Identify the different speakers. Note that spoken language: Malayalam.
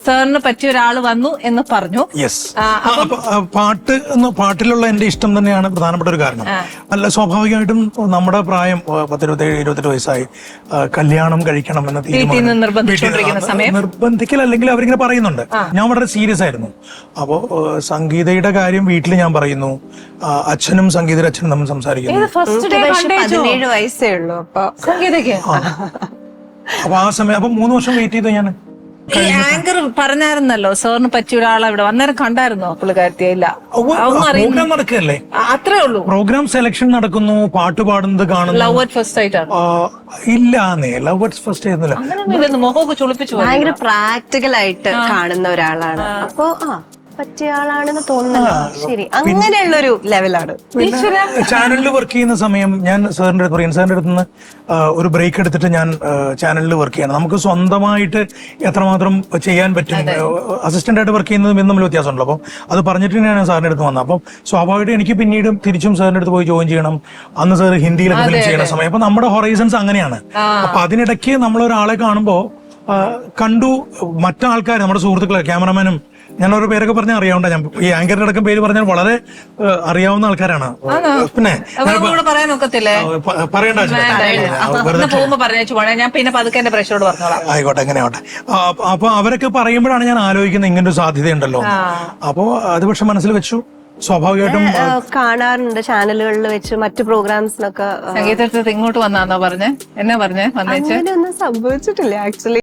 Speaker 1: സാറിന് പറ്റിയ ഒരാൾ വന്നു എന്ന് പറഞ്ഞു.
Speaker 2: യെസ്. പാട്ടിലുള്ള എന്റെ ഇഷ്ടം തന്നെയാണ് പ്രധാനപ്പെട്ട ഒരു കാരണം. അല്ല, സ്വാഭാവികമായിട്ടും നമ്മുടെ പ്രായം 17-28 വയസ്സായി, കല്യാണം കഴിക്കണം എന്ന തീരുമാനം നിർബന്ധിക്കൽ അല്ലെങ്കിൽ അവരിങ്ങനെ പറയുന്നുണ്ട്. ഞാൻ വളരെ സീരിയസ് ആയിരുന്നു. അപ്പോ സംഗീതയുടെ കാര്യം വീട്ടിൽ ഞാൻ പറയുന്നു, അച്ഛനും സംഗീതയുടെ അച്ഛനും നമ്മൾ സംസാരിക്കുന്നു.
Speaker 3: 17 വയസ്സേ ഉള്ളൂ.
Speaker 2: അപ്പൊ ആ സമയം 3 വർഷം വെയിറ്റ് ചെയ്തു ഞാൻ.
Speaker 1: ഈ ആങ്കർ പറഞ്ഞായിരുന്നല്ലോ സാറിന് പറ്റിയ ഒരാളെ ഇവിടെ അന്നേരം കണ്ടായിരുന്നോ പുള്ളിക്കാരത്തിയെ? ഇല്ല,
Speaker 2: പ്രോഗ്രാം നടക്കുകയല്ലേ,
Speaker 1: അത്രേ ഉള്ളൂ.
Speaker 2: പ്രോഗ്രാം സെലക്ഷൻ നടക്കുന്നു, പാട്ട് പാടുന്നത് കാണുന്നു.
Speaker 1: ലവ് അറ്റ് ഫസ്റ്റ് ആയിട്ടാണ്?
Speaker 2: ഇല്ലാന്നേ, ലവ് അറ്റ് ഫസ്റ്റ് ആയിരുന്നില്ല.
Speaker 1: അങ്ങനെയൊന്നും മുഖമൊക്കെ ചുളിപ്പിച്ചു.
Speaker 3: ഭയങ്കര പ്രാക്ടിക്കൽ ആയിട്ട് കാണുന്ന ഒരാളാണ്. അപ്പൊ പറ്റിയ ആളാണെന്ന് തോന്നുന്നു. ശരി, അങ്ങനെയുള്ളൊരു ലെവലാണ്.
Speaker 2: ചാനലിൽ വർക്ക് ചെയ്യുന്ന സമയം ഞാൻ സാറിന്റെ അടുത്ത് പറയും, സാറിന്റെ അടുത്ത് നിന്ന് ഒരു ബ്രേക്ക് എടുത്തിട്ട് ഞാൻ ചാനലിൽ വർക്ക് ചെയ്യണം. നമുക്ക് സ്വന്തമായിട്ട് എത്രമാത്രം ചെയ്യാൻ പറ്റും, അസിസ്റ്റന്റ് ആയിട്ട് വർക്ക് ചെയ്യുന്നതും തമ്മിൽ വ്യത്യാസമുണ്ടല്ലോ. അപ്പം അത് പറഞ്ഞിട്ട് തന്നെയാണ് സാറിന്റെ അടുത്ത് വന്നത്. അപ്പം സ്വാഭാവികമായിട്ട് എനിക്ക് പിന്നീട് തിരിച്ചും സാറിന്റെ അടുത്ത് പോയി ജോയിൻ ചെയ്യണം. അന്ന് സാർ ഹിന്ദിയിലൊക്കെ ഫിലിം ചെയ്യുന്ന സമയം. അപ്പൊ നമ്മുടെ ഹൊറൈസൺസ് അങ്ങനെയാണ്. അപ്പൊ അതിനിടയ്ക്ക് നമ്മളൊരാളെ കാണുമ്പോ കണ്ടു, മറ്റാൾക്കാർ, നമ്മുടെ സുഹൃത്തുക്കളെ, ക്യാമറമാനും, ഞാൻ ഓരോ പേരൊക്കെ പറഞ്ഞാൽ അറിയാവുന്ന, ഞാൻ ഈ ആങ്കറിന്റെ അടക്കം പേര് പറഞ്ഞാൽ വളരെ അറിയാവുന്ന ആൾക്കാരാണ്. പിന്നെ ആയിക്കോട്ടെ, എങ്ങനെയാവട്ടെ. അപ്പൊ അവരൊക്കെ പറയുമ്പോഴാണ് ഞാൻ ആലോചിക്കുന്നത് ഇങ്ങനൊരു സാധ്യതയുണ്ടല്ലോ. അപ്പോ അത് പക്ഷെ മനസ്സിൽ വെച്ചു. സ്വാഭാവികമായിട്ടും
Speaker 3: കാണാറുണ്ട് ചാനലുകളിൽ വെച്ച്, മറ്റു പ്രോഗ്രാംസിനൊക്കെ.
Speaker 1: സംഗീതത്തിൽ ഇങ്ങോട്ട് വന്നാന്നോ പറഞ്ഞേ? എന്നാ പറഞ്ഞേ? വന്നേച്ച്
Speaker 3: ഒന്നും സംഭവിച്ചിട്ടില്ല ആക്ച്വലി.